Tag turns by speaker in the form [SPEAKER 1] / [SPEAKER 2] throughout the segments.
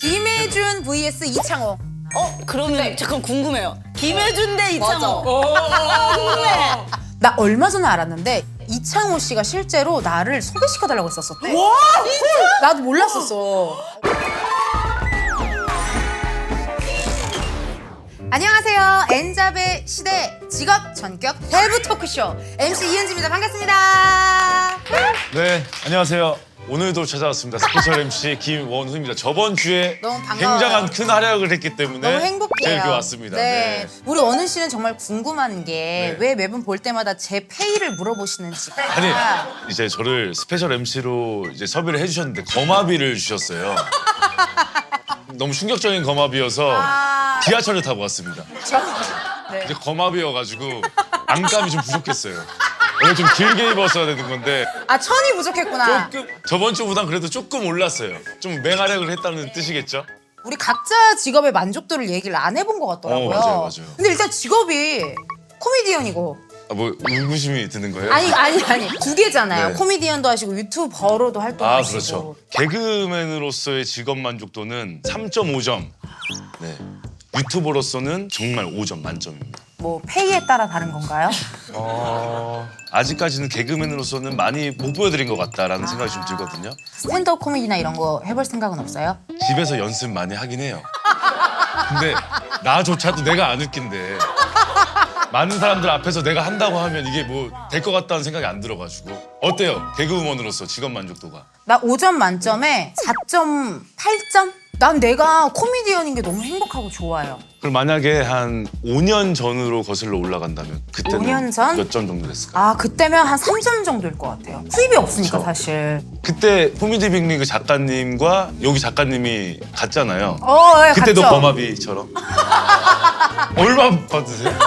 [SPEAKER 1] 김혜준 vs 이창호.
[SPEAKER 2] 그러면 잠깐 궁금해요. 김혜준 대 이창호.
[SPEAKER 1] 나 얼마 전에 알았는데 이창호 씨가 실제로 나를 소개시켜달라고 했었었대.
[SPEAKER 2] 와,
[SPEAKER 1] 나도 몰랐었어. 안녕하세요. N잡의 시대 직업 전격 밸브 토크쇼 MC 이은지입니다. 반갑습니다.
[SPEAKER 3] 네, 안녕하세요. 오늘도 찾아왔습니다. 스페셜 MC 김원훈입니다. 저번 주에
[SPEAKER 1] 너무 반가워요.
[SPEAKER 3] 굉장한 큰 활약을 했기 때문에
[SPEAKER 1] 너무 행복해요.
[SPEAKER 3] 이렇게 왔습니다.
[SPEAKER 1] 네. 우리 원훈 씨는 정말 궁금한 게
[SPEAKER 3] 네.
[SPEAKER 1] 왜 매번 볼 때마다 제 페이를 물어보시는지.
[SPEAKER 3] 아니, 이제 저를 스페셜 MC로 이제 섭외를 해주셨는데 거마비를 주셨어요. 너무 충격적인 거마비여서 지하철을 타고 왔습니다.
[SPEAKER 1] 네.
[SPEAKER 3] 이제 거마비여가지고 안감이 좀 부족했어요. 원래 좀 길게 입었어야 되는 건데
[SPEAKER 1] 아, 천이 부족했구나.
[SPEAKER 3] 조금 저번 주보단 그래도 조금 올랐어요. 좀 맹활약을 했다는 뜻이겠죠?
[SPEAKER 1] 우리 각자 직업의 만족도를 얘기를 안 해본 것 같더라고요.
[SPEAKER 3] 맞아요.
[SPEAKER 1] 근데 일단 직업이 코미디언이고.
[SPEAKER 3] 아, 뭐 의구심이 드는 거예요?
[SPEAKER 1] 아니. 두 개잖아요.
[SPEAKER 3] 네.
[SPEAKER 1] 코미디언도 하시고 유튜버로도
[SPEAKER 3] 아,
[SPEAKER 1] 활동하시고.
[SPEAKER 3] 그렇죠. 개그맨으로서의 직업 만족도는 3.5점. 네. 유튜버로서는 정말 5점 만점입니다.
[SPEAKER 1] 뭐 페이에 따라 다른 건가요?
[SPEAKER 3] 아직까지는 개그맨으로서는 많이 못 보여드린 것 같다라는 생각이 좀 들거든요.
[SPEAKER 1] 스탠드업 코미디나 이런 거 해볼 생각은 없어요?
[SPEAKER 3] 집에서 연습 많이 하긴 해요. 근데 나조차도 내가 안 웃긴데 많은 사람들 앞에서 내가 한다고 하면 이게 뭐 될 것 같다는 생각이 안 들어가지고. 어때요? 개그우먼으로서 직업 만족도가?
[SPEAKER 1] 나 5점 만점에 4.8점? 난 내가 코미디언인 게 너무 행복하고 좋아요.
[SPEAKER 3] 그럼 만약에 한 5년 전으로 거슬러 올라간다면 그때는
[SPEAKER 1] 5년 전?
[SPEAKER 3] 몇 점 정도 됐을까요?
[SPEAKER 1] 아, 그때면 한 3점 정도일 것 같아요. 수입이 없으니까
[SPEAKER 3] 그쵸.
[SPEAKER 1] 사실.
[SPEAKER 3] 그때 코미디 빅리그 작가님과 여기 작가님이 갔잖아요.
[SPEAKER 1] 예,
[SPEAKER 3] 그때도
[SPEAKER 1] 갔죠?
[SPEAKER 3] 범합이처럼. 얼마 받으세요?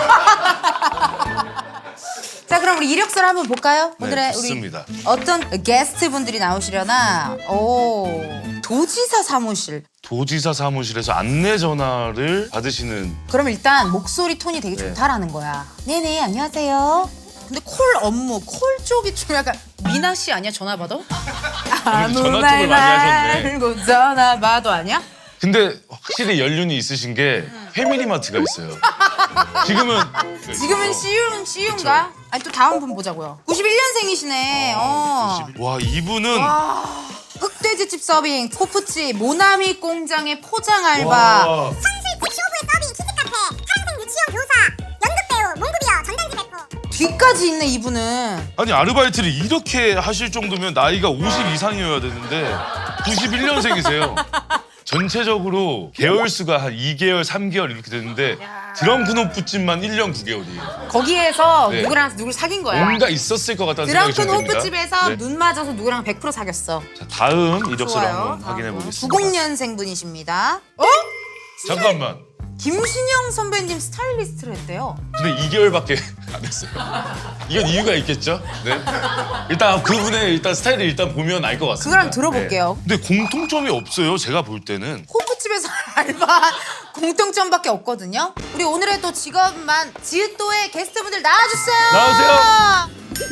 [SPEAKER 1] 자, 그럼 우리 이력서를 한번 볼까요?
[SPEAKER 3] 네,
[SPEAKER 1] 오늘의
[SPEAKER 3] 좋습니다.
[SPEAKER 1] 우리 어떤 게스트 분들이 나오시려나? 도지사 사무실.
[SPEAKER 3] 도지사 사무실에서 안내 전화를 받으시는.
[SPEAKER 1] 그럼 일단 목소리 톤이 되게
[SPEAKER 3] 네.
[SPEAKER 1] 좋다라는 거야. 네네, 안녕하세요. 근데 콜 업무, 콜 쪽이 좀 약간 미나 씨 아니야? 전화 받아? 아무
[SPEAKER 3] 전화
[SPEAKER 1] 말
[SPEAKER 3] 쪽을 많이 하셨네.
[SPEAKER 1] 말고 전화 받아 아니야?
[SPEAKER 3] 근데 확실히 연륜이 있으신 게 패밀리마트가 있어요. 지금은
[SPEAKER 1] 지금은 CU인가? 아니 또 다음 분 보자고요. 91년생이시네.
[SPEAKER 3] 와, 이분은
[SPEAKER 1] 흑돼지집 서빙, 호프집, 모나미 공장의 포장 알바.
[SPEAKER 3] 와,
[SPEAKER 4] 선술집 쇼부의 서빙, 키즈카페, 평생 유치원 교사, 연극배우, 몽구비어, 전단지 배포.
[SPEAKER 1] 뒤까지 있네 이분은.
[SPEAKER 3] 아니 아르바이트를 이렇게 하실 정도면 나이가 50 이상이어야 되는데 91년생이세요. 전체적으로 개월 수가 한 2개월, 3개월 이렇게 되는데 드렁큰 호프집만 1년 9개월이에요.
[SPEAKER 1] 거기에서
[SPEAKER 3] 네.
[SPEAKER 1] 누구를 사귄 거야.
[SPEAKER 3] 뭔가 있었을 것 같다는 생각이 좀
[SPEAKER 1] 드렁큰
[SPEAKER 3] 듭니다.
[SPEAKER 1] 호프집에서
[SPEAKER 3] 네.
[SPEAKER 1] 눈 맞아서 누구랑 100% 사귀었어.
[SPEAKER 3] 자, 다음 이력서를
[SPEAKER 1] 좋아요.
[SPEAKER 3] 한번 확인해 보겠습니다.
[SPEAKER 1] 90년생 분이십니다.
[SPEAKER 3] 잠깐만.
[SPEAKER 1] 김신영 선배님 스타일리스트를 했대요.
[SPEAKER 3] 근데 2개월밖에 안 했어요. 이건 이유가 있겠죠? 네. 일단 그분의 스타일을 일단 보면 알 것 같습니다.
[SPEAKER 1] 그걸 한번 들어볼게요.
[SPEAKER 3] 네. 근데 공통점이 없어요. 제가 볼 때는.
[SPEAKER 1] 호프집에서 알바한 공통점밖에 없거든요. 우리 오늘의 또 직업만 지읒도의 게스트분들 나와주세요.
[SPEAKER 3] 나오세요.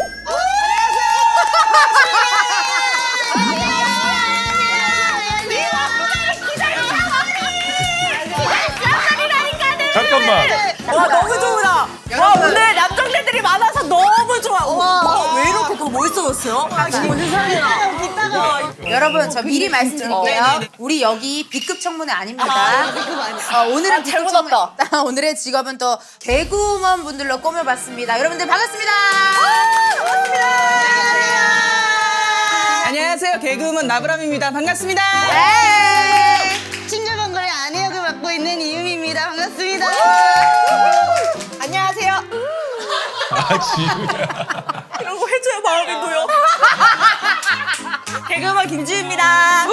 [SPEAKER 3] 잠깐만.
[SPEAKER 2] 와 너무 좋으다. 와 오늘 남정네들이 많아서 너무 좋아. 와, 왜 이렇게 더 멋있어졌어요? 지금 세상에나.
[SPEAKER 1] 여러분 저 미리 말씀드릴게요. 우리 여기 B급 청문회 아닙니다. 오늘은 B급
[SPEAKER 2] 잘못
[SPEAKER 1] 청문회.
[SPEAKER 2] 왔다.
[SPEAKER 1] 오늘의 직업은 또 개그우먼 분들로 꾸며봤습니다. 여러분들 반갑습니다.
[SPEAKER 5] 안녕하세요. 개그우먼 나브람입니다. 반갑습니다.
[SPEAKER 1] 네.
[SPEAKER 4] 칭조병거리 아내 역을 맡고 있는 이유미입니다. 반갑습니다.
[SPEAKER 2] 안녕하세요.
[SPEAKER 3] 아, 지우야.
[SPEAKER 2] 이런 거 해줘야 마음이 놓여. 개그우먼 김지우입니다.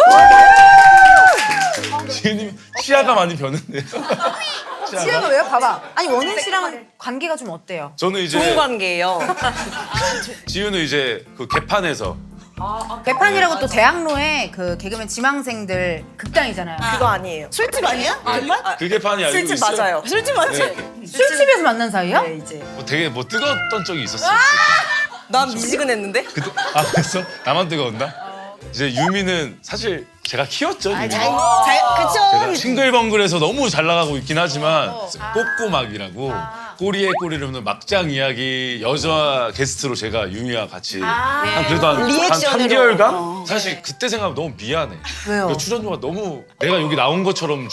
[SPEAKER 3] 지우님 시야가 많이 변했네요.
[SPEAKER 1] 시아가 왜요? 봐봐. 아니 원훈 씨랑은 관계가 좀 어때요?
[SPEAKER 3] 저는
[SPEAKER 2] 좋은
[SPEAKER 3] 이제
[SPEAKER 2] 관계예요.
[SPEAKER 3] 지우는 이제 그 개판에서
[SPEAKER 1] 개판이라고 또 대학로에 그 개그맨 지망생들 극장이잖아요.
[SPEAKER 2] 그거 아니에요. 술집 아니야? 정말?
[SPEAKER 3] 그 개판이 알고
[SPEAKER 2] 술집
[SPEAKER 3] 있어요.
[SPEAKER 2] 맞아요. 술집 맞지?
[SPEAKER 3] 네.
[SPEAKER 1] 술집에서 만난 사이야?
[SPEAKER 2] 네 이제.
[SPEAKER 3] 뭐 되게 뭐 뜨거웠던 적이 있었어요.
[SPEAKER 2] 난 미지근했는데?
[SPEAKER 3] 그때 아 그랬어? 나만 뜨거웠나? 이제 유미는 사실 제가 키웠죠. 지금.
[SPEAKER 2] 그쵸.
[SPEAKER 3] 제가 싱글벙글에서 너무 잘 나가고 있긴 하지만 꼬꼬막이라고 꼬리에 꼬리를 없는 막장 이야기 여자 게스트로 제가 유미와 같이 한 그래도 한
[SPEAKER 2] 리액션으로.
[SPEAKER 3] 3개월간 사실 그때 생각하면 너무 미안해.
[SPEAKER 1] 왜요?
[SPEAKER 3] 그러니까 출연료가 너무 내가 여기 나온 것처럼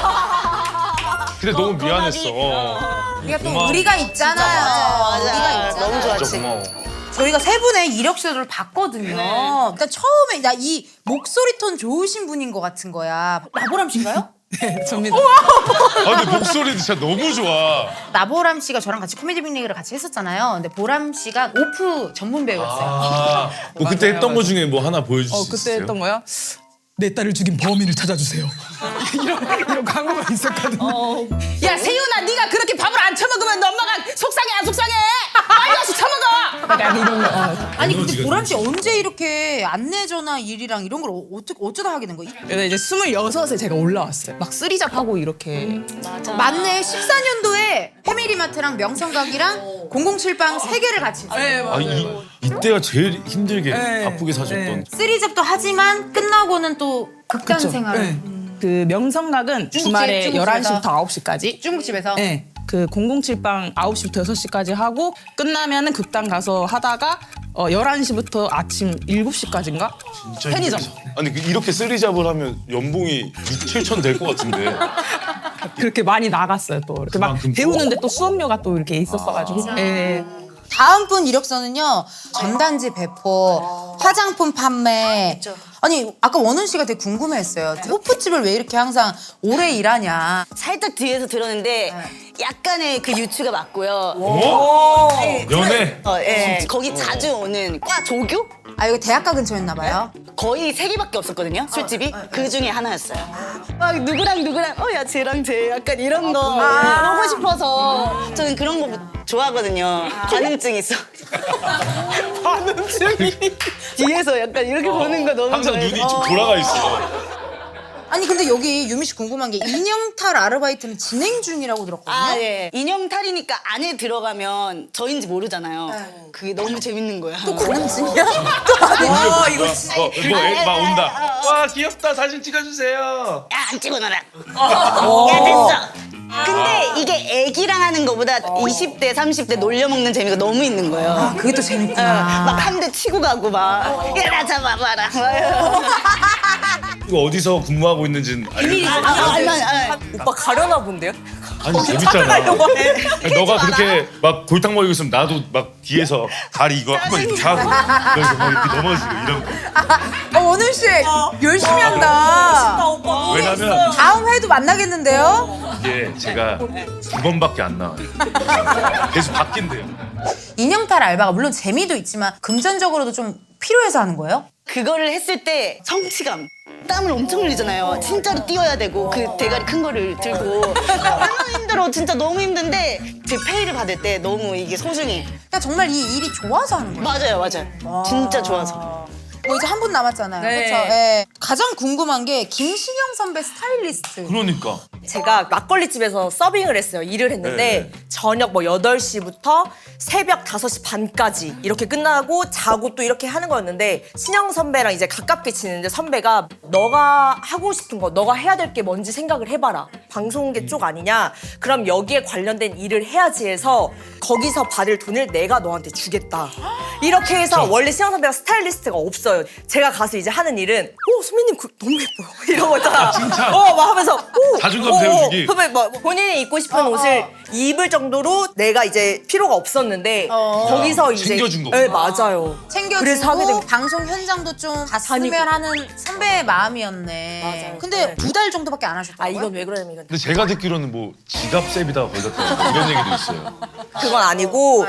[SPEAKER 3] 주니까. 근데 너무 미안했어.
[SPEAKER 1] 우리가 또
[SPEAKER 3] 고마워.
[SPEAKER 1] 의리가 있잖아요. 의리가
[SPEAKER 2] 맞아.
[SPEAKER 1] 있잖아요.
[SPEAKER 2] 너무 좋았지.
[SPEAKER 3] 진짜 고마워.
[SPEAKER 1] 저희가 세 분의 이력서를 봤거든요. 그러니까 처음에 나 이 목소리 톤 좋으신 분인 것 같은 거야. 나보람 씨인가요?
[SPEAKER 5] 네, 접니다.
[SPEAKER 3] 아 근데 목소리도 진짜 너무 좋아.
[SPEAKER 1] 나보람 씨가 저랑 같이 코미디 빅리그를 같이 했었잖아요. 근데 보람 씨가 오프 전문 배우였어요.
[SPEAKER 3] 아, 뭐 그때 했던 거 중에 뭐 하나 보여줄 수
[SPEAKER 5] 그때
[SPEAKER 3] 있어요?
[SPEAKER 5] 했던 거야? 내 딸을 죽인 범인을 찾아주세요. 이런 광고가 있었거든요.
[SPEAKER 2] 야 세윤아 네가 그렇게 밥을 안 처먹으면 너 엄마가 속상해 안 속상해? 빨리 와서 처먹어.
[SPEAKER 5] 약간 이런 거.
[SPEAKER 1] 아니 근데
[SPEAKER 3] 에너지가
[SPEAKER 1] 보람 씨 언제 이렇게 안내 전화 일이랑 이런 걸 어쩌다 하게 된 거예요?
[SPEAKER 5] 근데 이제 26에 제가 올라왔어요. 막 쓰리잡 하고 이렇게.
[SPEAKER 1] 맞네. 14년도에 패밀리마트랑 명성각이랑 007방 세 개를 같이 했어요.
[SPEAKER 3] 아, 이때가 제일 힘들게
[SPEAKER 5] 네.
[SPEAKER 3] 바쁘게 사셨던.
[SPEAKER 1] 쓰리잡도 하지만 끝나고는 또 극단
[SPEAKER 5] 그쵸?
[SPEAKER 1] 생활.
[SPEAKER 5] 네. 그 명성각은
[SPEAKER 1] 중국집,
[SPEAKER 5] 주말에
[SPEAKER 1] 중국집에서.
[SPEAKER 5] 11시부터 9시까지.
[SPEAKER 1] 중국집에서.
[SPEAKER 5] 네. 그 007방 9시부터 6시까지 하고 끝나면은 극단 가서 하다가 11시부터 아침 7시까지인가?
[SPEAKER 3] 진짜
[SPEAKER 5] 편의점.
[SPEAKER 3] 힘들죠. 아니 이렇게 쓰리잡을 하면 연봉이 6, 7천 될 것 같은데.
[SPEAKER 5] 그렇게 많이 나갔어요 또. 이렇게 막
[SPEAKER 3] 그만큼
[SPEAKER 5] 배우는데 또 수업료가 또 이렇게 있었어가지고. 예.
[SPEAKER 1] 다음 분 이력서는요. 전단지 배포, 화장품 판매. 아니 아까 원훈 씨가 되게 궁금해했어요. 호프집을 왜 이렇게 항상 오래 일하냐.
[SPEAKER 2] 살짝 뒤에서 들었는데 약간의 그 유추가 맞고요.
[SPEAKER 3] 어? 연애.
[SPEAKER 2] 예. 거기 자주 오는 과 조교?
[SPEAKER 1] 아 여기 대학가 근처였나 봐요.
[SPEAKER 2] 거의 3개밖에 없었거든요, 술집이. 그 중에 하나였어요. 막 누구랑 야 쟤랑 쟤 약간 이런 거 보고 싶어서 저는 그런 거 좋아하거든요. 반응증 있어. 반응증이 뒤에서 약간 이렇게 보는 거 너무
[SPEAKER 3] 항상
[SPEAKER 2] 좋아해서.
[SPEAKER 3] 눈이 좀 돌아가 있어.
[SPEAKER 1] 아니 근데 여기 유미 씨 궁금한 게 인형탈 아르바이트는 진행 중이라고 들었거든요.
[SPEAKER 2] 아, 예. 인형 탈이니까 안에 들어가면 저인지 모르잖아요. 그게 너무 재밌는 거야.
[SPEAKER 1] 또 고름진이야? 또 아니.
[SPEAKER 3] 이거 막 온다. 와 귀엽다 사진 찍어주세요.
[SPEAKER 2] 야, 안 찍어놔라. 야, 됐어. 근데 이게 애기랑 하는 거보다 20대, 30대 놀려먹는 재미가 너무 있는 거예요.
[SPEAKER 1] 그게 또 재밌구나.
[SPEAKER 2] 막 한 대 치고 가고 막. 야, 나 잡아봐라. 막.
[SPEAKER 3] 이거 어디서 근무하고 있는지는 알고.
[SPEAKER 2] 오빠 가려나 본데요?
[SPEAKER 3] 아니 재밌잖아. 너가 그렇게 막 골탕 먹이고 있으면 나도 막 뒤에서 다리 이거 한번 이렇게 하고 그래서 막 이렇게 넘어지고 이런 거.
[SPEAKER 1] 원훈 씨 열심히 한다.
[SPEAKER 3] 왜냐면
[SPEAKER 1] 다음 회도 만나겠는데요?
[SPEAKER 3] 이게 제가 2번밖에 안 나와요. 계속 바뀐대요.
[SPEAKER 1] 인형탈 알바가 물론 재미도 있지만 금전적으로도 좀 필요해서 하는 거예요?
[SPEAKER 2] 그거를 했을 때 성취감. 땀을 엄청 흘리잖아요. 진짜로 뛰어야 되고 그 대가리 큰 거를 들고 얼마나 힘들어. 진짜 너무 힘든데 제 페이를 받을 때 너무 이게 소중해.
[SPEAKER 1] 그러니까 정말 이 일이 좋아서 하는 거예요.
[SPEAKER 2] 맞아요. 진짜 좋아서.
[SPEAKER 1] 뭐 이제 한 분 남았잖아요.
[SPEAKER 5] 네.
[SPEAKER 1] 그렇죠? 예. 가장 궁금한 게 김신영 선배 스타일리스트.
[SPEAKER 3] 그러니까
[SPEAKER 6] 제가 막걸리집에서 서빙을 했어요. 일을 했는데 저녁 뭐 8시부터 새벽 5시 반까지 이렇게 끝나고 자고 또 이렇게 하는 거였는데 신영 선배랑 이제 가깝게 지내는데 선배가 너가 하고 싶은 거, 너가 해야 될 게 뭔지 생각을 해봐라. 방송계 쪽 아니냐? 그럼 여기에 관련된 일을 해야지 해서 거기서 받을 돈을 내가 너한테 주겠다. 이렇게 해서 원래 신영 선배가 스타일리스트가 없어요. 제가 가서 이제 하는 일은 선배님 그 너무 예뻐요. 이런 거 있잖아.
[SPEAKER 3] 칭찬.
[SPEAKER 6] 막 하면서
[SPEAKER 3] 자존감 세워주기.
[SPEAKER 6] 선배 뭐 본인이 입고 싶은 옷을 입을 정도로 내가 이제 필요가 없었는데 거기서 이제
[SPEAKER 3] 챙겨준 거구나.
[SPEAKER 6] 네, 맞아요. 그래서 하게
[SPEAKER 1] 챙겨주고
[SPEAKER 6] 된
[SPEAKER 1] 방송 현장도 좀 봤으면
[SPEAKER 6] 다니고.
[SPEAKER 1] 하는 선배의 마음이었네.
[SPEAKER 6] 맞아요.
[SPEAKER 1] 근데
[SPEAKER 6] 네.
[SPEAKER 1] 2달 정도밖에 안 하셨다고요?
[SPEAKER 6] 이건 왜 그러냐면 이건
[SPEAKER 3] 근데 제가 듣기로는 뭐 지갑 세비다가 걸렸다 이런 얘기도 있어요.
[SPEAKER 6] 그건 아니고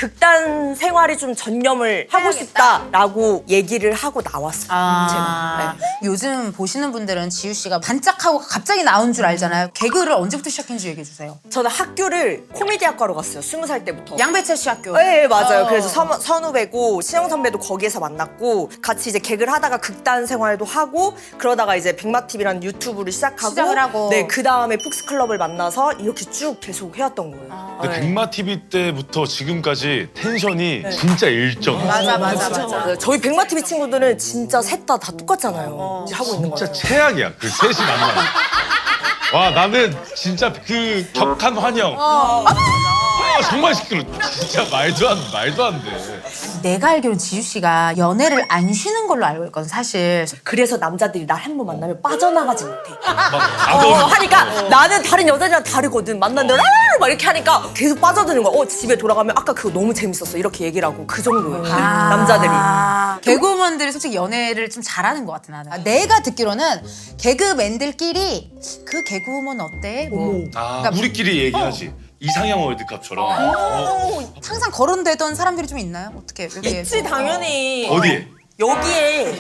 [SPEAKER 6] 극단 생활에 좀 전념을 하고 싶다라고 얘기를 하고 나왔어요. 제가.
[SPEAKER 1] 요즘 보시는 분들은 지우 씨가 반짝하고 갑자기 나온 줄 줄 알잖아요. 개그를 언제부터 시작했는지 얘기해 주세요.
[SPEAKER 6] 저는 학교를 코미디학과로 갔어요. 20살 때부터.
[SPEAKER 1] 양배철 씨 학교.
[SPEAKER 6] 네, 맞아요. 그래서 선후배고 신영 선배도 거기에서 만났고 같이 이제 개그를 하다가 극단 생활도 하고 그러다가 이제 백마TV라는 유튜브를
[SPEAKER 1] 시작을 하고.
[SPEAKER 6] 네, 그 다음에 푹스클럽을 만나서 이렇게 쭉 계속 해왔던 거예요.
[SPEAKER 3] 근데
[SPEAKER 6] 네.
[SPEAKER 3] 백마 TV 때부터 지금까지 텐션이 진짜 일정.
[SPEAKER 1] 맞아.
[SPEAKER 6] 맞아요. 저희 백마TV 친구들은 진짜 셋 다 똑같잖아요. 이제 하고 있는
[SPEAKER 3] 진짜
[SPEAKER 6] 거예요.
[SPEAKER 3] 최악이야. 그 셋이 만나. 와 나는 진짜 그 격한 환영. 정말 시끄러. 진짜 말도 안 돼.
[SPEAKER 1] 내가 알기로는 지유 씨가 연애를 안 쉬는 걸로 알고 있거든 사실.
[SPEAKER 6] 그래서 남자들이 날 한 번 만나면 빠져나가지 못해.
[SPEAKER 3] 막
[SPEAKER 6] 하니까 나는 다른 여자들이랑 다르거든. 만났는데 막 이렇게 하니까 계속 빠져드는 거야. 집에 돌아가면 아까 그거 너무 재밌었어. 이렇게 얘기를 하고 그 정도예요. 남자들이.
[SPEAKER 1] 개그우먼들이 솔직히 연애를 좀 잘하는 것 같아 나는. 내가 듣기로는 개그맨들끼리 그 개그우먼 어때? 뭐 그러니까
[SPEAKER 3] 우리끼리 얘기하지. 이상형 월드컵처럼.
[SPEAKER 1] 항상 거론되던 사람들이 좀 있나요? 어떻게 여기에?
[SPEAKER 6] 있지 당연히.
[SPEAKER 3] 어디에?
[SPEAKER 6] 여기에.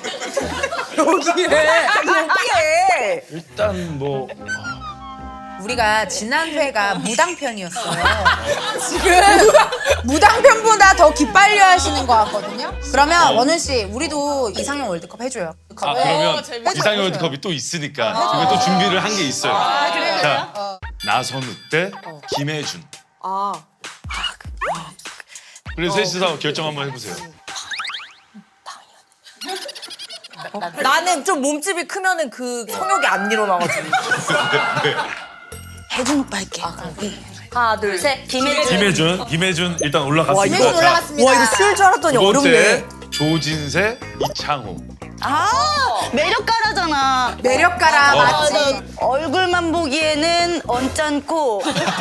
[SPEAKER 3] 일단 뭐
[SPEAKER 1] 우리가 지난 회가 무당편이었어요. 지금 무당편보다 더 기빨려 하시는 것 같거든요. 그러면 원훈 씨, 우리도 이상형 월드컵 해줘요.
[SPEAKER 3] 그러면
[SPEAKER 1] 재밌어.
[SPEAKER 3] 이상형 월드컵이 또 있으니까 저희가 또 준비를 한 게 있어요. 자, 나선우 때 김혜준. 그래서 셋이서 결정 한번 해보세요.
[SPEAKER 6] 나는 좀 몸집이 크면은 그 성욕이 안 일어나가지고.
[SPEAKER 2] 혜준 오빠 할게.
[SPEAKER 6] 하나, 둘, 셋.
[SPEAKER 3] 김혜준 일단 올라갔습니다.
[SPEAKER 1] 김혜준
[SPEAKER 3] 자,
[SPEAKER 1] 올라갔습니다.
[SPEAKER 6] 와, 이거 쉬울 줄 알았더니
[SPEAKER 3] 두 번째
[SPEAKER 6] 어렵네.
[SPEAKER 3] 조진세, 이창호.
[SPEAKER 2] 매력가라잖아.
[SPEAKER 1] 매력가라 맞지?
[SPEAKER 2] 나 얼굴만 보기에는 언짢고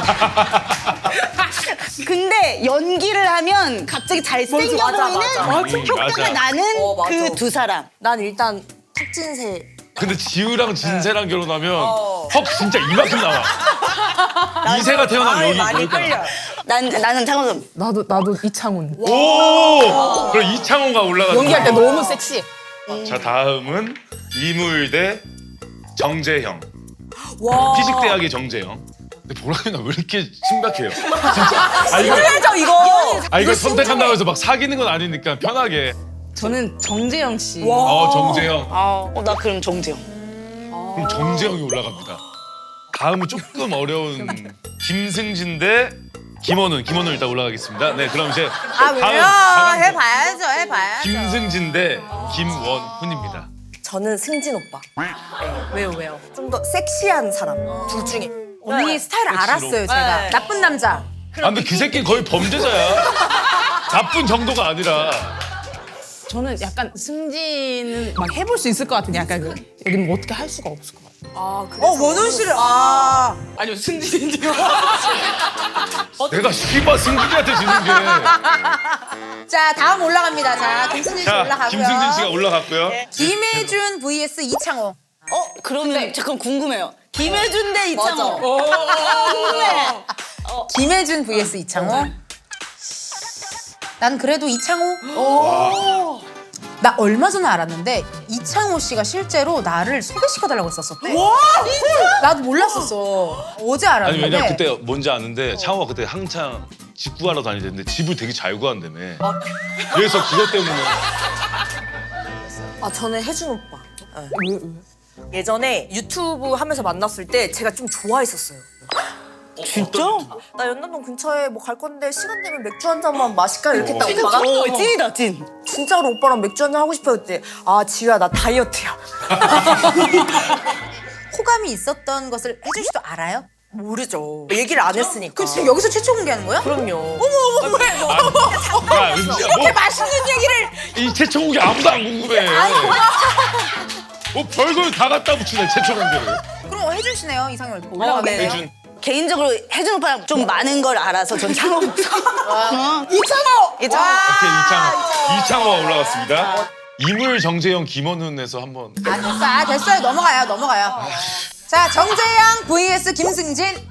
[SPEAKER 2] 근데 연기를 하면 갑자기 잘생겨
[SPEAKER 6] 맞아,
[SPEAKER 2] 보이는
[SPEAKER 6] 맞아.
[SPEAKER 2] 효과가
[SPEAKER 3] 맞아.
[SPEAKER 2] 나는
[SPEAKER 6] 맞아.
[SPEAKER 2] 그 두 사람.
[SPEAKER 6] 난 일단 탁진세.
[SPEAKER 3] 근데 지우랑 진세랑 결혼하면 헉 진짜 이만큼 나와. 이세가 태어나면 여기
[SPEAKER 6] 많이
[SPEAKER 3] 여기가
[SPEAKER 6] 끌려.
[SPEAKER 2] 나는 창호선.
[SPEAKER 5] 나도 이창훈.
[SPEAKER 3] 오! 그럼 이창호가 올라가는
[SPEAKER 5] 연기할 때
[SPEAKER 3] 거야.
[SPEAKER 5] 너무 섹시해.
[SPEAKER 3] 자 다음은 이물대 정재형.
[SPEAKER 6] 와.
[SPEAKER 3] 피식대학의 정재형. 근데 보라니나 왜 이렇게 심각해요? 진짜. 이거
[SPEAKER 6] 힘들죠, 이거.
[SPEAKER 3] 이거 선택한다고 해서 막 사귀는 건 아니니까 편하게.
[SPEAKER 5] 저는 정재영 씨.
[SPEAKER 3] 정재형.
[SPEAKER 2] 나 그럼 정재영.
[SPEAKER 3] 그럼 정재형이 올라갑니다. 다음은 조금 어려운 김승진 대 김원훈. 김원훈 일단 올라가겠습니다. 네, 그럼 이제 다음
[SPEAKER 1] 해봐야죠.
[SPEAKER 3] 김승진 대 김원훈입니다.
[SPEAKER 6] 저는 승진 오빠. 왜요? 좀 더 섹시한 사람. 둘 중에.
[SPEAKER 1] 언니 스타일 알았어요 제가.
[SPEAKER 6] 네.
[SPEAKER 1] 나쁜 남자.
[SPEAKER 3] 아, 근데 그 새끼 거의 범죄자야. 나쁜 정도가 아니라.
[SPEAKER 5] 저는 약간 승진은 막 해볼 수 있을 것 같은 약간 여기는 뭐 어떻게 할 수가 없을 것 같아요.
[SPEAKER 1] 원훈 씨를
[SPEAKER 5] 아니요 승진이요.
[SPEAKER 3] 내가 씨발 승진이한테 지는 게.
[SPEAKER 1] 자 다음 올라갑니다. 자 김승진 씨
[SPEAKER 3] 자,
[SPEAKER 1] 올라가고요.
[SPEAKER 3] 김승진 씨가 올라갔고요.
[SPEAKER 1] 김혜준 vs 이창호.
[SPEAKER 2] 그러면 잠깐 궁금해요. 김혜준 대 이창호. 궁금해.
[SPEAKER 1] 김혜준 vs 이창호. 난 그래도 이창호. 나 얼마 전에 알았는데 이창호 씨가 실제로 나를 소개시켜달라고 했었었대. 나도 몰랐었어. 어제
[SPEAKER 3] 아니
[SPEAKER 1] 알았는데.
[SPEAKER 3] 왜냐면 그때 뭔지 아는데 창호가 그때 한창 집 구하러 다니는데 집을 되게 잘 구한다며. 그래서 그것 때문에.
[SPEAKER 6] 저는 혜준 오빠. 왜? 예전에 유튜브 하면서 만났을 때 제가 좀 좋아했었어요.
[SPEAKER 2] 진짜?
[SPEAKER 6] 나 연남동 근처에 뭐 갈 건데 시간 되면 맥주 한 잔만 마실까 이렇게 했다 오빠가
[SPEAKER 2] 찐이다 찐.
[SPEAKER 6] 진짜로 오빠랑 맥주 한 잔 하고 싶어요 그때. 지우야 나 다이어트야.
[SPEAKER 1] 호감이 있었던 것을 혜준 씨도 알아요?
[SPEAKER 6] 모르죠. 얘기를 안 했으니까.
[SPEAKER 1] 지금 여기서 최초 공개하는 거야?
[SPEAKER 6] 그럼요.
[SPEAKER 3] 야, 은지야, 뭐
[SPEAKER 1] 맛있는 얘기를.
[SPEAKER 3] 이 최초공개 아무도 안 궁금해. 뭐 별걸 다 갖다 붙이네 최초공개를.
[SPEAKER 1] 그럼 혜준 씨네요 이상형 월드컵 올라가겠네요.
[SPEAKER 6] 네.
[SPEAKER 3] 혜준.
[SPEAKER 2] 개인적으로 혜준 오빠랑 좀 많은 걸 알아서 전 창호.
[SPEAKER 1] 이창호.
[SPEAKER 3] 오케이 이창호가 올라갔습니다. 이물 정재영 김원훈에서 한번.
[SPEAKER 1] 됐어요. 넘어가요. 자 정재영 vs 김승진.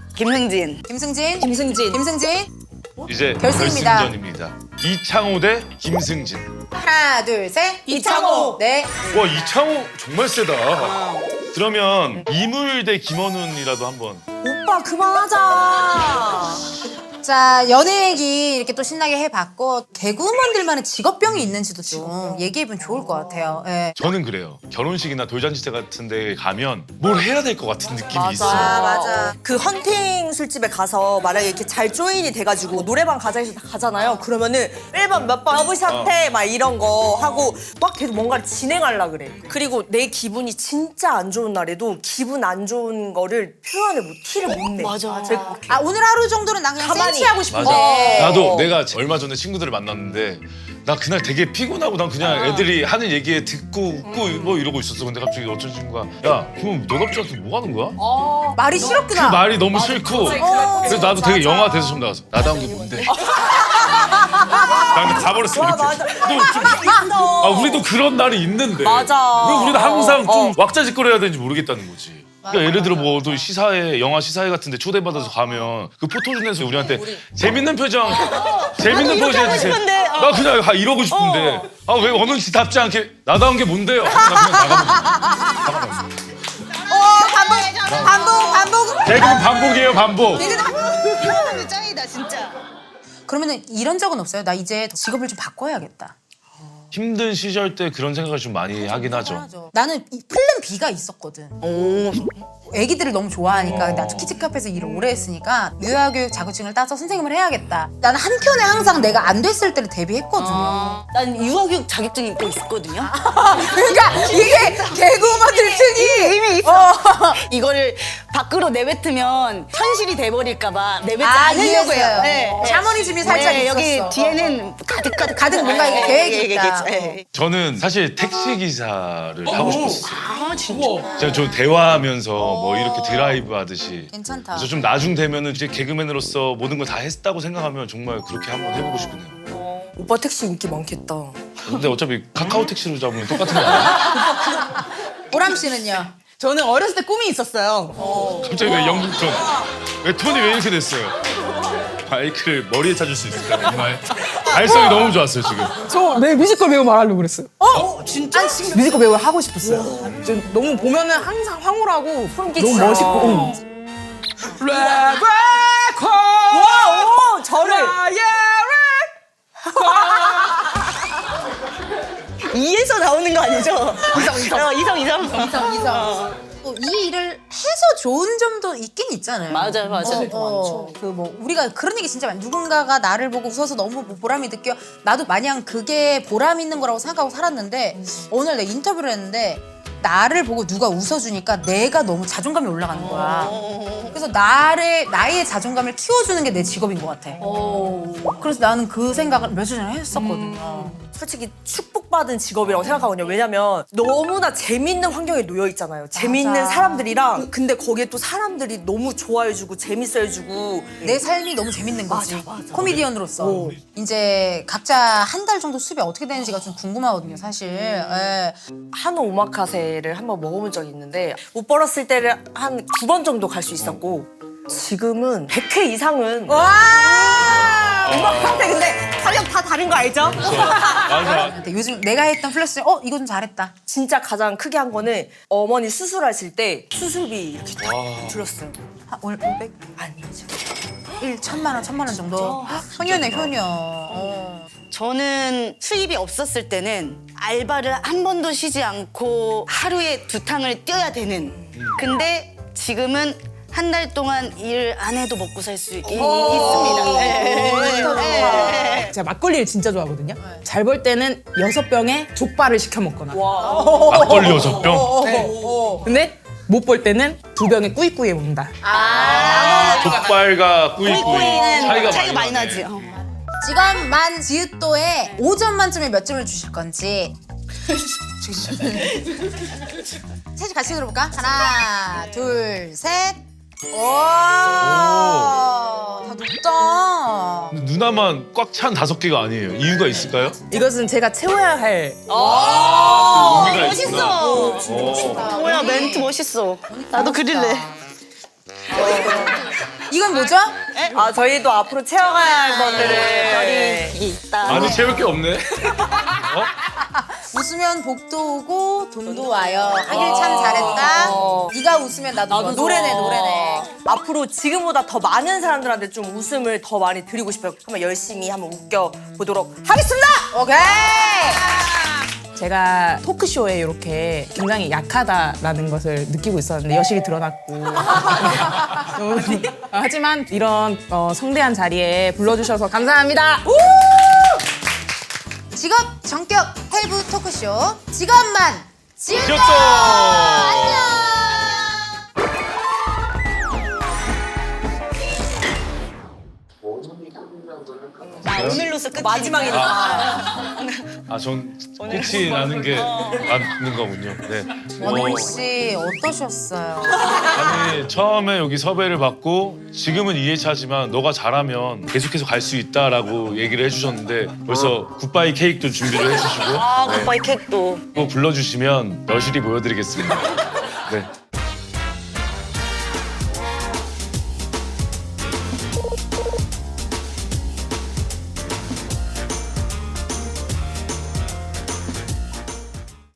[SPEAKER 1] 김승진.
[SPEAKER 3] 이제
[SPEAKER 1] 결승입니다.
[SPEAKER 3] 결승전입니다. 이창호 대 김승진.
[SPEAKER 1] 하나 둘 셋.
[SPEAKER 6] 이창호.
[SPEAKER 1] 네.
[SPEAKER 3] 와 이창호 정말 세다. 그러면 이물 대 김원훈이라도 한번.
[SPEAKER 6] 오빠 그만하자.
[SPEAKER 1] 자, 연애 얘기 이렇게 또 신나게 해봤고 개그우먼들만의 직업병이 있는지도 좀 얘기해보면 좋을 것 같아요. 예.
[SPEAKER 3] 저는 그래요. 결혼식이나 돌잔치 때 같은 데 가면 뭘 해야 될 것 같은 느낌이 있어요.
[SPEAKER 6] 맞아. 그 헌팅 술집에 가서 만약에 이렇게 잘 조인이 돼가지고 노래방 가자 해서 가잖아요. 그러면은 1번 몇 번 러브샷 해 막 이런 거 하고 막 계속 뭔가를 진행하려 그래. 그리고 내 기분이 진짜 안 좋은 날에도 기분 안 좋은 거를 티를 못 내.
[SPEAKER 2] 맞아.
[SPEAKER 1] 아, 오늘 하루 정도는 나 그냥
[SPEAKER 6] 가만히.
[SPEAKER 1] 센치하고
[SPEAKER 3] 맞아.
[SPEAKER 1] 싶은데.
[SPEAKER 3] 나도 내가 얼마 전에 친구들을 만났는데 나 그날 되게 피곤하고 난 그냥 애들이 하는 얘기에 듣고 웃고 뭐 이러고 있었어. 근데 갑자기 어떤 친구가 야, 그럼 너 남자한테 뭐 하는 거야?
[SPEAKER 1] 말이
[SPEAKER 3] 그
[SPEAKER 1] 싫었구나.
[SPEAKER 3] 말이 너무 싫고 그래서 나도 되게 영화 대사처럼 나가서 나다운 게 뭔데? 나한테 가버렸어 이렇게. 우리도 그런 날이 있는데
[SPEAKER 6] 맞아.
[SPEAKER 3] 왜 우리는 항상 좀 왁자지껄해야 되는지 모르겠다는 거지. 그러니까 예를 들어 뭐 또 시사회, 영화 시사회 같은데 초대받아서 가면 그 포토존에서 우리한테 재밌는 표정, 재밌는 포즈 해주세요.
[SPEAKER 2] 싶은데,
[SPEAKER 3] 나 그냥 이러고 싶은데 아 왜 어느 지답지 않게 나다운 게 뭔데요? 나 그냥 나가면 돼.
[SPEAKER 1] 반복.
[SPEAKER 3] 개그는 반복이에요 반복.
[SPEAKER 2] 짱이다 진짜.
[SPEAKER 1] 그러면은 이런 적은 없어요? 나 이제 직업을 좀 바꿔야겠다.
[SPEAKER 3] 힘든 시절 때 그런 생각을 좀 많이 하긴 하죠.
[SPEAKER 1] 나는 이 플랜 B가 있었거든. 애기들을 너무 좋아하니까 나도 키즈 카페에서 일을 오래 했으니까 유아교육 자격증을 따서 선생님을 해야겠다. 나는 한켠에 항상 내가 안 됐을 때를 대비했거든요.
[SPEAKER 2] 난 유아교육 자격증이 있고 있거든요.
[SPEAKER 1] 그러니까 이게 개그우먼들 특이
[SPEAKER 2] 이미 있어. 이거를 밖으로 내뱉으면 현실이 돼버릴까봐 내뱉지 않으려고 해요. 네.
[SPEAKER 1] 샤머니즘이 살짝 있었어.
[SPEAKER 2] 여기 뒤에는 가득
[SPEAKER 1] 뭔가 이게 계획이 있다.
[SPEAKER 2] 네.
[SPEAKER 3] 저는 사실 택시 기사를 하고 싶었어요.
[SPEAKER 2] 아 진짜.
[SPEAKER 3] 제가 좀 대화하면서 뭐 이렇게 드라이브 하듯이.
[SPEAKER 1] 괜찮다.
[SPEAKER 3] 그래서 좀 나중 되면은 이제 개그맨으로서 모든 걸 다 했다고 생각하면 정말 그렇게 한번 해보고 싶네요.
[SPEAKER 6] 오빠 택시 인기 많겠다.
[SPEAKER 3] 근데 어차피 카카오 택시로 잡으면 똑같은 거 아니야?
[SPEAKER 1] 보람 씨는요?
[SPEAKER 5] 저는 어렸을 때 꿈이 있었어요.
[SPEAKER 3] 갑자기 왜 영국톤? 왜 톤이 왜 이렇게 됐어요? 마이크를 머리에 찾을 수 있을까 정말. 발성이 너무 좋았어요 지금.
[SPEAKER 5] 저 내일 뮤지컬 배우 말하려고 그랬어요.
[SPEAKER 1] 진짜?
[SPEAKER 5] 뮤지컬 배우 하고 싶었어요. 지금 너무 보면은 항상 황홀하고 너무 멋있고. 레베카
[SPEAKER 6] 와, 오, 저를.
[SPEAKER 2] 이에서 나오는 거 아니죠? 이성.
[SPEAKER 1] 이 일을 해서 좋은 점도 있긴 있잖아요.
[SPEAKER 2] 맞아요.
[SPEAKER 1] 그 뭐 우리가 그런 얘기 진짜 많이. 누군가가 나를 보고 웃어서 너무 보람이 느껴. 나도 마냥 그게 보람 있는 거라고 생각하고 살았는데 오늘 내가 인터뷰를 했는데 나를 보고 누가 웃어주니까 내가 너무 자존감이 올라가는 거야. 그래서 나의 자존감을 키워주는 게 내 직업인 것 같아. 그래서 나는 그 생각을 며칠 전에 했었거든요.
[SPEAKER 6] 솔직히 축복받은 직업이라고 생각하거든요. 왜냐면 너무나 재밌는 환경에 놓여 있잖아요. 재밌는 사람들이랑 근데 거기에 또 사람들이 너무 좋아해주고 재밌어해주고
[SPEAKER 1] 내 삶이 너무 재밌는 거지. 코미디언으로서. 이제 각자 한 달 정도 수입이 어떻게 되는지가 좀 궁금하거든요, 사실. 예.
[SPEAKER 6] 한우 오마카세를 한번 먹어본 적이 있는데 못 벌었을 때를 한 9번 정도 갈 수 있었고 지금은 100회 이상은 오마카세 근데 가격 다 다른 거 알죠?
[SPEAKER 3] 맞아.
[SPEAKER 1] 근데 요즘 내가 했던 플러스 이거 좀 잘했다.
[SPEAKER 6] 진짜 가장 크게 한 거는 어머니 수술하실 때 수술비 이렇게 다 들었어요.
[SPEAKER 1] 한 500?
[SPEAKER 6] 아니죠.
[SPEAKER 1] 1,000만 원, 1,000만 원 정도. 효녀네, 효녀.
[SPEAKER 2] 저는 수입이 없었을 때는 알바를 한 번도 쉬지 않고 하루에 2탕을 뛰어야 되는. 근데 지금은 한 달 동안 일 안 해도 먹고 살 수 있습니다.
[SPEAKER 5] 제가 막걸리를 진짜 좋아하거든요. 잘 벌 때는 6병에 족발을 시켜 먹거나.
[SPEAKER 3] 막걸리 6병?
[SPEAKER 5] 근데 못 벌 때는 2병에 꾸이꾸이 먹는다.
[SPEAKER 3] 족발과 꾸이꾸이 차이가
[SPEAKER 2] 많이
[SPEAKER 3] 나네.
[SPEAKER 2] 나지.
[SPEAKER 1] 직업 만 지읒도에 5점 만점에 몇 점을 주실 건지. 셋이 같이 들어볼까? 하나, 둘, 셋. 오, 다 높다.
[SPEAKER 3] 근데 누나만 꽉 찬 5개가 아니에요. 이유가 있을까요?
[SPEAKER 5] 이것은 제가 채워야 할.
[SPEAKER 3] 의미가
[SPEAKER 2] 멋있어.
[SPEAKER 3] 있구나.
[SPEAKER 2] 뭐야 멘트 멋있어. 나도 그릴래.
[SPEAKER 1] 이건 뭐죠?
[SPEAKER 6] 아 저희도 앞으로 채워가야 할 것들을
[SPEAKER 2] 이게 있다.
[SPEAKER 3] 많이 채울 게 없네.
[SPEAKER 1] 웃으면 복도 오고 돈도 와요. 하길 참 잘했다. 네가 웃으면 나도 좋아. 노래네 노래네.
[SPEAKER 6] 앞으로 지금보다 더 많은 사람들한테 좀 웃음을 더 많이 드리고 싶어요. 한번 열심히 한번 웃겨 보도록 하겠습니다.
[SPEAKER 1] 오케이.
[SPEAKER 5] 제가 토크쇼에 이렇게 굉장히 약하다라는 것을 느끼고 있었는데 여실히 드러났고 하지만 이런 성대한 자리에 불러주셔서 감사합니다.
[SPEAKER 1] 직업 전격 헬브 토크쇼 직업만 지읒다.
[SPEAKER 3] 귀엽다.
[SPEAKER 1] 안녕.
[SPEAKER 2] 오늘로서 끝.
[SPEAKER 6] 마지막이니까.
[SPEAKER 3] 전 끝이 나는 게 맞는 거군요. 네.
[SPEAKER 1] 원훈 씨 어떠셨어요?
[SPEAKER 3] 아니 처음에 여기 섭외를 받고 지금은 2회차지만 너가 잘하면 계속해서 갈 수 있다라고 얘기를 해주셨는데 벌써 굿바이 케이크도 준비를 해주시고
[SPEAKER 2] 굿바이 캣도.
[SPEAKER 3] 또 불러주시면 여실히 보여드리겠습니다. 네.